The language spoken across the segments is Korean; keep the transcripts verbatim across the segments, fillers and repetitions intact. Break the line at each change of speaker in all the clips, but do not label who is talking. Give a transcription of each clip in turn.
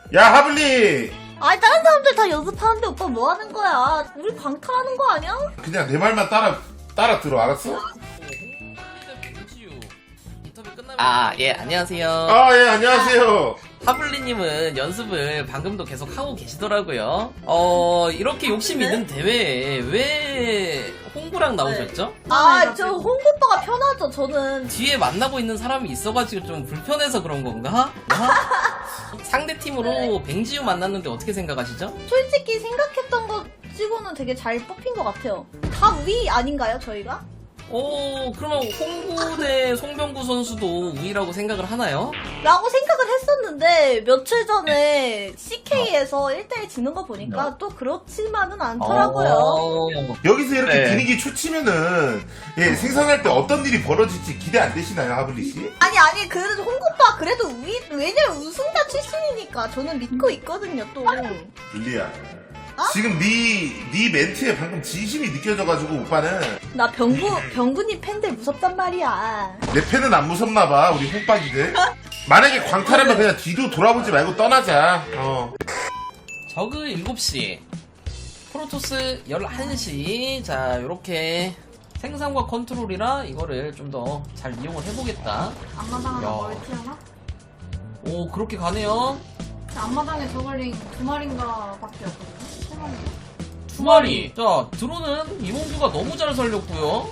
야 하블리,
아니 다른 사람들 다 연습하는데 오빠 뭐 하는 거야? 우리 방탈하는 거 아니야?
그냥 내 말만 따라 따라 들어, 알았어?
아, 예, 안녕하세요.
아 예 안녕하세요.
하블리님은 연습을 방금도 계속 하고 계시더라고요. 어, 이렇게 욕심 있는 대회에 왜 홍구랑 나오셨죠?
아 저 홍보빠가 편하죠. 저는
뒤에 만나고 있는 사람이 있어가지고 좀 불편해서 그런 건가? 어? 상대 팀으로 뱅지유 만났는데 어떻게 생각하시죠?
솔직히 생각했던 것 치고는 되게 잘 뽑힌 것 같아요. 다 위 아닌가요 저희가?
오, 그러면 홍구 대 송병구 선수도 우위라고 생각을 하나요?
라고 생각을 했었는데 며칠 전에 씨케이에서 일 대 일 지는 거 보니까 또 그렇지만은 않더라고요.
어,
여기서 이렇게
네.
분위기 초치면은 예 생산할 때 어떤 일이 벌어질지 기대 안 되시나요, 하블리 씨?
아니 아니 그래도 홍보빠 그래도 위 왜냐면 우승자 출신이니까 저는 믿고 있거든요 또.
블리야. 지금 네, 네 멘트에 방금 진심이 느껴져가지고 오빠는
나 병구 병구님 팬들 무섭단 말이야.
내 팬은 안 무섭나봐, 우리 홍박이들. 만약에 광탈하면 그냥 뒤도 돌아보지 말고 떠나자. 어.
저그 일곱 시, 프로토스 열한 시. 자, 요렇게 생산과 컨트롤이라 이거를 좀 더 잘 이용을 해보겠다.
앞마당하나
야.
멀티 하나?
오, 그렇게 가네요.
앞마당에 저걸링 두 마리인가 밖에 없거든요? 세 마리인가?
두 마리. 자, 드론은 이몽규가 너무 잘 살렸고요.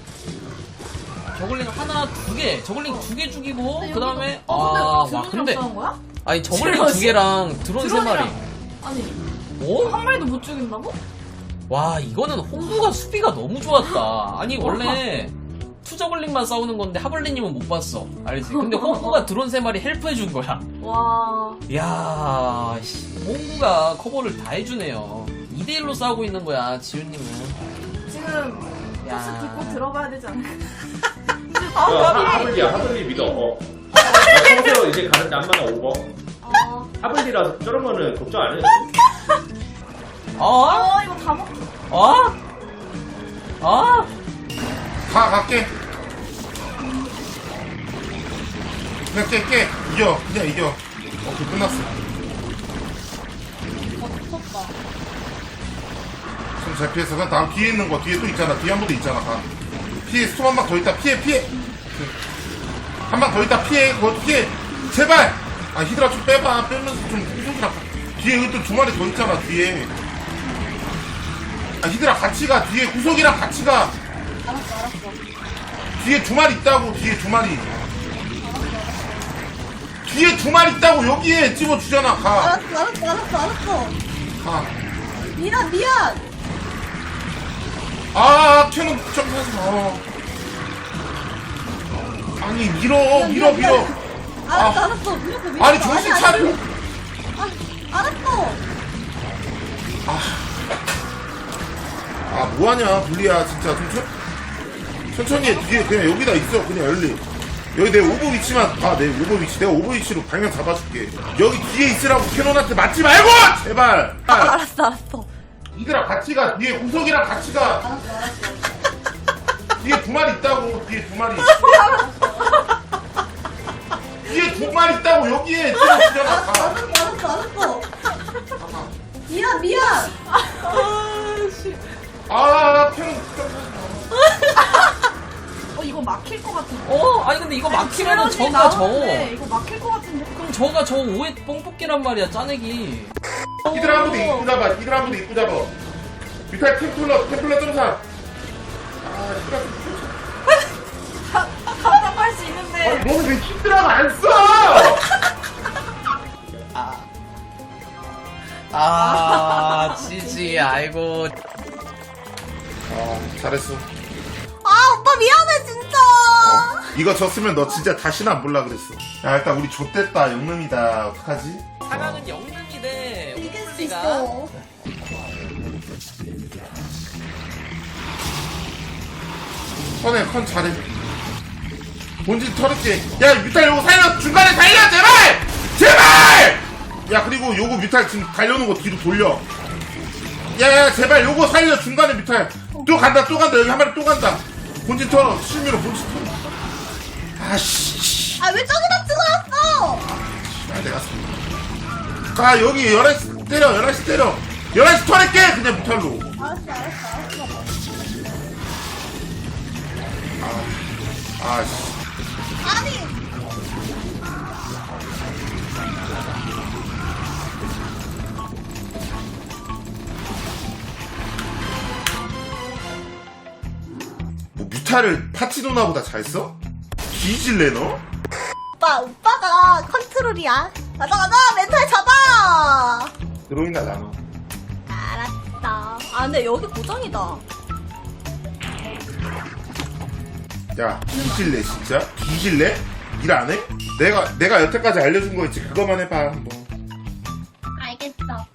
저글링 하나, 두 개. 저글링 두 개 죽이고, 그 다음에, 아,
어,
와,
근데
근데,
드론이랑 싸운 거야?
아니, 저글링 두 개랑 드론 세 마리.
아니,
오?
한 마리도 못 죽인다고?
와, 이거는 홍구가 수비가 너무 좋았다. 아니, 원래, 투저글링만 싸우는 건데, 하블리님은 못 봤어. 알지? 근데 홍구가 드론 세 마리 헬프해준 거야.
와,
이야, 씨, 홍구가 커버를 다 해주네요. 이 대 일로 싸우고 있는 거야, 지훈님은.
지금
야.
토스 딛고 들어가야 되지 않을까?
야, 하블리야, 하블리 믿어. 어. 나 평소에 이제 가는데 안마나 오버.
어,
하블리라서 저런 거는 걱정 안 해.
어?
어, 이거 다 먹,
어? 어?
가, 갈게. 그냥 깨, 깨. 이겨. 그냥 이겨. 오케이, 끝났어.
어 무섭다.
좀 잘 피했어. 그냥 다음 뒤에 있는 거, 뒤에 또 있잖아. 뒤에 한 번 더 있잖아. 가. 피해, 스톱 한 방 더 있다. 피해, 피해. 한 방 더 있다. 피해. 그거 피해. 제발! 아, 히드라 좀 빼봐. 빼면서 좀 후속이랑. 뒤에 여기 또 두 마리 더 있잖아, 뒤에. 아, 히드라 같이 가. 뒤에 후속이랑 같이 가.
알았어 알았어.
뒤에 두 마리 있다고. 뒤에 두 마리. 뒤에 두 마리 있다고. 여기에 집어주잖아. 가.
알았어 알았어 알았어 알았어.
가.
미안 미안.
아, 켜는 점프하지 마. 아니, 밀어, 밀어, 밀어.
알았어
아.
알았어. 밀었어 밀었어.
아니, 정신
아니,
차려.
아, 알았어.
아, 뭐하냐, 블리야, 진짜. 좀 천, 천천히 해. 뒤에 그냥 여기다 있어. 그냥 열리. 여기 내 오버 위치만 봐. 내 오버 위치. 내가 오버 위치로 방향 잡아줄게. 여기 뒤에 있으라고 캐논한테 맞지 말고! 제발!
아, 알았어 알았어.
이들아, 같이 가. 뒤에 우석이랑 같이 가.
알았어 알았어.
뒤에 두 마리 있다고. 뒤에 두 마리. 뒤에 두 마리 있다고. 여기에 집어주잖아.
알았어
가.
알았어 알았어. 미안 미안.
아, 캐논.
어, 이거 막힐 것 같은데.
어? 아니, 근데 이거 막히면은 저가 저.
나오는데 이거 막힐 것 같은데.
그럼 저가 저 오해 뽕뽑기란 말이야, 짜내기.
이들 한 분도 입고 잡아. 이들 한 분도 입고 잡아. 뮤탈 템플러, 템플러 점사. 아, 시간 좀
답답할 수 있는데.
아니, 너는 왜 히드라가 안 써?
아, 지지, 아이고.
아, 잘했어.
아 오빠 미안해 진짜.
어, 이거 졌으면 너 진짜 다시는 안 볼라 그랬어. 야, 일단 우리 좆됐다. 영능이다. 어떡하지?
사강은 영능이 대
이길 수
홈플리가.
있어.
컨해, 컨 잘해. 본진 털을게. 야, 뮤탈 요거 살려! 중간에 살려! 제발! 제발! 야, 그리고 요거 뮤탈 지금 달려오는 거 뒤로 돌려. 야, 야, 제발 요거 살려! 중간에 뮤탈. 또 간다, 또 간다. 여기 한 마리 또 간다. 본진 털어. 실미로 본진 털어. 아씨.
아 왜 저기다 찍어놨어?
아, 내가 사- 가 여기 열한 시 때려 열한 시 때려 열한 시 털을게 그냥 무탈로.
알았어, 알았어, 알았어.
아씨
아니!
뭐 뮤타를 파티 누나보다 잘 써? 뒤질래 너?
오빠, 오빠가 컨트롤이야. 가자, 가자! 멘탈 잡아!
드로이나 나눠.
알았어. 아, 근데 여기 고정이다.
야 뒤질래 진짜? 뒤질래? 일 안 해? 내가 내가 여태까지 알려준 거 있지 그거만 해봐 한번.
알겠어.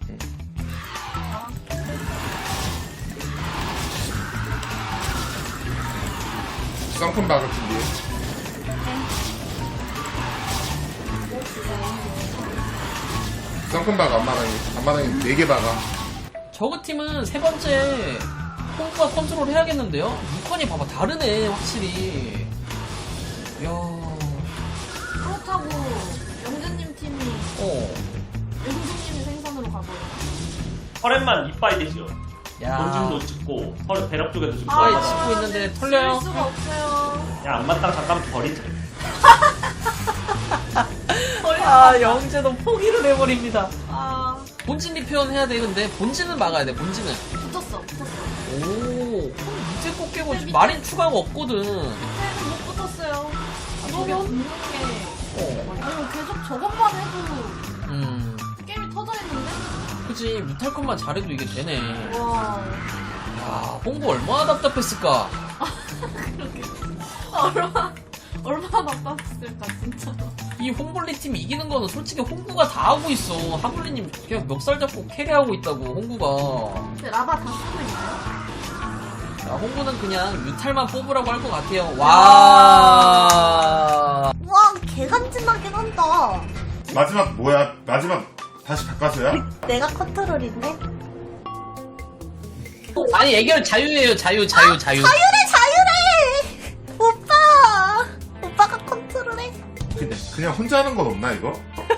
쌍품 박을 준비해. 쌍품 박아 앞마당에 앞마당에 네 개 박아.
저그 팀은 세 번째 홍구가 컨트롤 해야겠는데요? 유컨이 봐봐 다르네 확실히. 이야.
그렇다고 영재님 팀이
어.
영재님이 생선으로 가버려.
터렛만 이빠이 되죠.
야.
본진도 찍고 터렛 배럭 쪽에도 찍고.
이빠이 찍고 있는데 털려요.
질 수가 없어요.
야 안맞다가 잠깐 버리자.
아 영재도 포기를 해버립니다.
아,
본진 리페어는 해야 돼. 근데 본진은 막아야 돼. 본진은.
붙었어, 붙었어.
오. 그럼 밑에 꼭 깨고 마린 추가가 없거든.
밑에는 못 붙었어요.
저기-
너무 없는 게.
어.
아니, 계속 저것만 해도
음.
게임이 터져 있는데?
그치 무탈컷만 잘해도 이게 되네.
와.
야 홍보 얼마나 답답했을까.
그렇게. 얼마나, 얼마나 답답했을까, 진짜.
이 홍블리 팀 이기는 거는 솔직히 홍구가 다 하고 있어. 하블리님 그냥 멱살 잡고 캐리하고 있다고 홍구가.
근데 라바 다 쓰고 있나요?
자, 홍구는 그냥 뮤탈만 뽑으라고 할 것 같아요. 와.
와, 개간지나긴 한다.
마지막 뭐야? 마지막 다시 바꿔서야?
내가 컨트롤인데?
아니 애결 자유예요. 자유 자유 자유.
자유래, 자유래! 오빠! 오빠가 컨트롤해?
그냥 그냥 혼자 하는 건 없나 이거?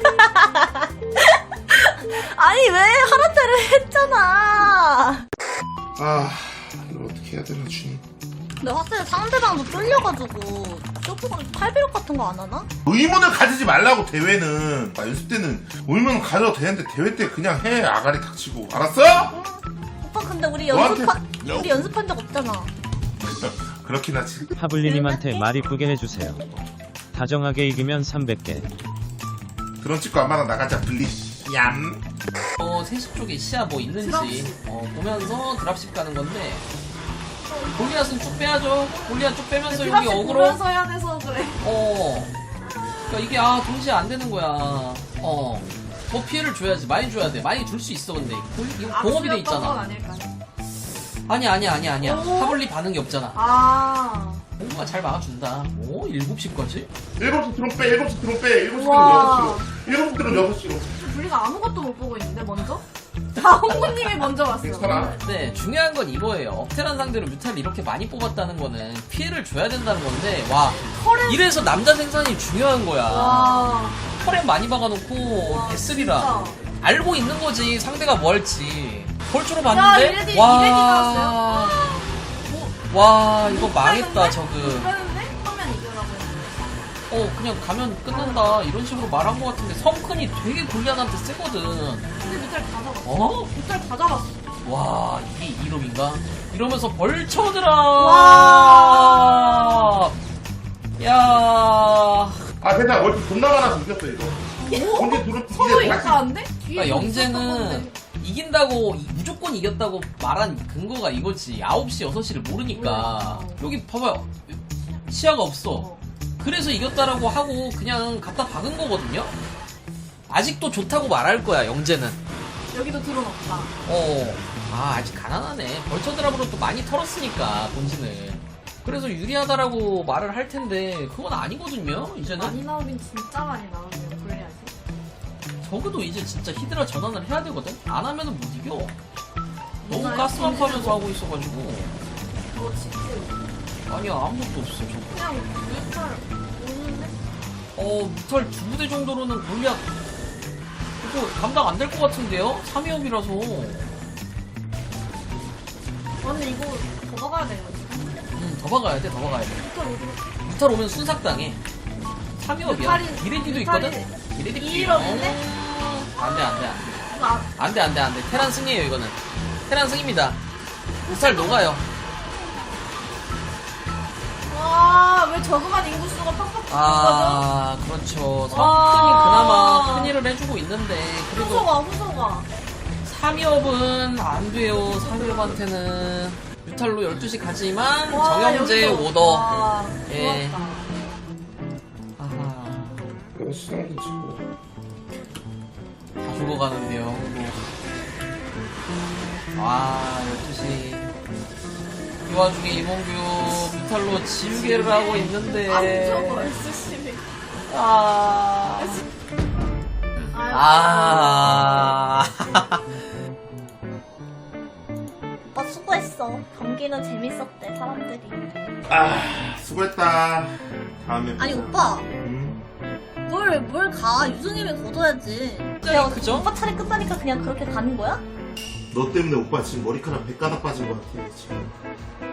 아니, 왜? 하란 대로 했잖아.
아 이걸 어떻게 해야 되나 주님.
근데 확실히 상대방도 쫄려가지고 쇼프가 팔비록 같은 거 안 하나?
의문을 가지지 말라고 대회는. 아, 연습 때는 의문을 가져도 되는데 대회 때 그냥 해 아가리 닥치고 알았어?
응. 오빠 근데 우리
너한테-
연습한 우리 연습한 적 없잖아.
그렇긴 하지.
하블리님한테 말 이쁘게 해주세요. 다정하게 이기면 삼백 개.
드론 찍고 안마당 나가자 블리. 얌.
어 세시 쪽에 시야 뭐 있는지
드랍십.
어, 보면서 드랍십 가는 건데. 골리앗은 쭉 빼야죠. 골리앗 쭉 빼면서 여기 어그로.
보면서 해야 돼서 그래.
어. 그러니까 이게 아 동시에 안 되는 거야. 어. 더 피해를 줘야지. 많이 줘야 돼. 많이 줄 수 있어 근데. 이거 공업이 돼
악수였던 건
있잖아.
아닐까?
아니 아니 아니 아니야.
오?
하블리 반응이 없잖아.
아.
공부가 잘 막아준다. 오 일곱 시까지?
일곱 시 드론 빼. 일곱 시 드론 빼. 일곱 시 드론
우와.
여섯 시로. 일곱 시 드론 여섯 시로.
우리가 아무것도 못 보고 있는데 먼저? 다 홍보님이 먼저 왔어.
괜찮아.
네 중요한 건 이거예요. 억테란 상대로 뮤탈을 이렇게 많이 뽑았다는 거는 피해를 줘야 된다는 건데 와
털에
이래서 남자 생산이 중요한 거야.
와.
털에 많이 박아놓고
와,
베슬이라
진짜.
알고 있는 거지 상대가 뭐 할지. 벌초로
야,
봤는데
이레디, 이레디
와
나왔어요.
와 이거
못
망했다
빼는데?
저그.
못 빼는데? 하면 이겨라고 했는데.
어 그냥 가면 끝난다 이런 식으로 말한 것 같은데 성큰이 되게 골리앗한테 세거든.
근데 뮤탈 다 잡았어.
어?
뮤탈 다 잡았어.
와 이게 이름인가? 이러면서 벌쳐들아.
와.
야.
아 됐다. 월드 존나 많아서 이겼어 이거. 언제 드론
서로
이제 다시.
이겼다는데?
그러니까 영재는 이긴다고 이- 무조건 이겼다고 말한 근거가 이거지. 아홉 시 여섯 시를 모르니까. 여기 봐봐요. 시야가 없어.
어.
그래서 이겼다라고 하고 그냥 갖다 박은 거거든요. 아직도 좋다고 말할 거야 영재는.
여기도 드론 없다.
어. 아 아직 가난하네. 벌처 드랍으로 또 많이 털었으니까 본진을. 그래서 유리하다라고 말을 할 텐데 그건 아니거든요. 이제는.
많이 나오긴 진짜 많이 나오네요. 불리하지.
적어도 이제 진짜 히드라 전환을 해야 되거든. 안 하면은 못 이겨. 너무
누나의
가스만
본진을
파면서 하고 있어가지고.
뭐 지금
아니야 아무것도 없어 저거.
그냥 뮤탈 오는데?
어 무탈 두 부대 정도로는 골리앗 이거 감당 안 될 것 같은데요? 삼 위업이라서.
언니 이거 더 박아야 돼요.
음, 더 박아야 돼, 더 박아야 돼.
또 어디?
무탈 오면 순삭당해. 삼 위업이야.
무탈이-
이레디도
무탈이-
있거든? 이레디
이일업인데?
안 돼, 안 돼, 안 돼.
이거 아,
안 돼, 안 돼, 안 돼. 테란 승이에요, 이거는. 테란 승입니다. 무탈 녹아요.
와, 왜 저그만 인구수가 팍팍 붙는
아, 그렇죠. 성큰이
와.
그나마 큰 일을 해주고 있는데,
거죠?
그래도
후소가, 후소가.
삼 위업은 안 돼요, 삼 위업한테는. 뮤탈로 열두 시 가지만,
와,
정영재
여기서.
오더.
와,
예.
좋았다.
아하,
이거 수상도 치고.
다 죽어가는데요, 그거. 와, 열두 시. 이 와중에 이몽규 뮤탈로 지우개를 하고 있는데.
안 저거 에스씨비.
아.
아.
아.
오빠 수고했어. 경기는 재밌었대 사람들이.
아, 수고했다. 다음에.
아니 오빠
음.
뭘 뭘 가? 유승님이 거둬야지.
야, 그죠?
오빠 차례 끝나니까 그냥 그렇게 가는 거야?
너 때문에 오빠 지금 머리카락 백 가닥 빠진 것 같아, 지금.